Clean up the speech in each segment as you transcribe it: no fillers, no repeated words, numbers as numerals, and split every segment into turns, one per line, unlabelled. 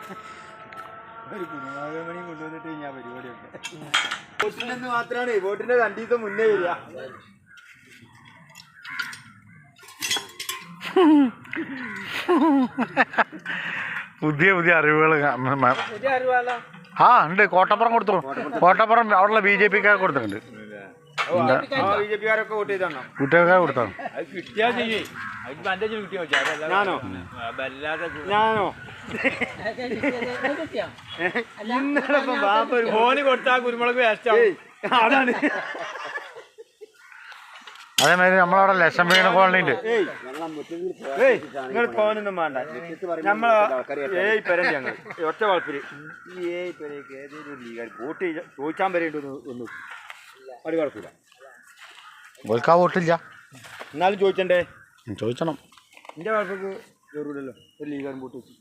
ഒരു കുരുമുളക് കൊണ്ടുവന്നിട്ട് ഞാൻ പരിപാടിയൊക്കെ വോട്ടിനെന്ന് മാത്രമാണ് വോട്ടിന്റെ 2 ദിവസം മുന്നേ വരിക.
പുതിയ അറിവുകൾ ആ ഉണ്ട്. കോട്ടപ്പുറം കൊടുത്തു. കോട്ടപ്പുറം അവിടെയുള്ള BJP-ക്കാർ കൊടുത്തിട്ടുണ്ട്.
BJP-കാരൊക്കെ വോട്ട് ചെയ്താണോ?
കുട്ടികൾക്കാർ കൊടുത്താണ്.
ഞാനോ ഫോണ് കൊടുത്താ കുരുമുളക് വേസ്റ്റ് അതാണ്.
അതേമാതിരി നമ്മളവിടെ ലക്ഷം വീണ കോളനി ഉണ്ട്.
നിങ്ങൾ ഫോനൊന്നും വേണ്ട. നമ്മളെ പെരണ്ട് ഞങ്ങൾ ഒറ്റ കുഴപ്പമില്ല. ഈ പെരയ്ക്ക് ഏതെങ്കിലും ഒരു ലീഗാർ വോട്ട് ചോദിച്ചാൻ വരേണ്ടത് ഒന്നും അത് കുഴപ്പമില്ല.
ഓൽക്കാ വോട്ടില്ല
എന്നാലും ചോദിച്ചണ്ടേ?
ചോദിച്ചണം.
എന്റെ കുഴപ്പക്ക് ജറൂരല്ലോ ഒരു ലീഗാർ വോട്ട് വെച്ചു.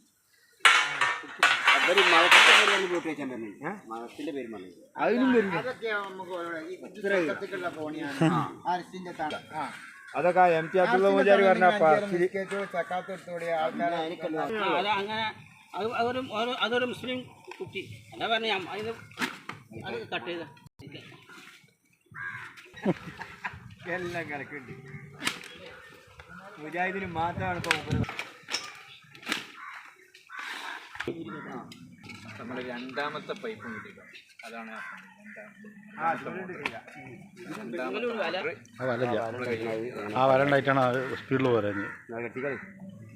അതിനും വരും. അതൊക്കെ MT അബ്ദുള്ള മുജാരി പറഞ്ഞ
അതൊരു മുസ്ലിം കുട്ടി എന്നാ പറഞ്ഞ അത് കട്ട് ചെയ്ത
എല്ലാം കണക്കുണ്ട്. മുജാഹിദിന് മാത്രമാണ് ഇപ്പൊ
നമ്മുടെ രണ്ടാമത്തെ പൈപ്പും കിട്ടിയിട്ടോ. അതാണ്
ആ വല ഉണ്ടായിട്ടാണ് സ്പീഡിൽ പറയുന്നത്.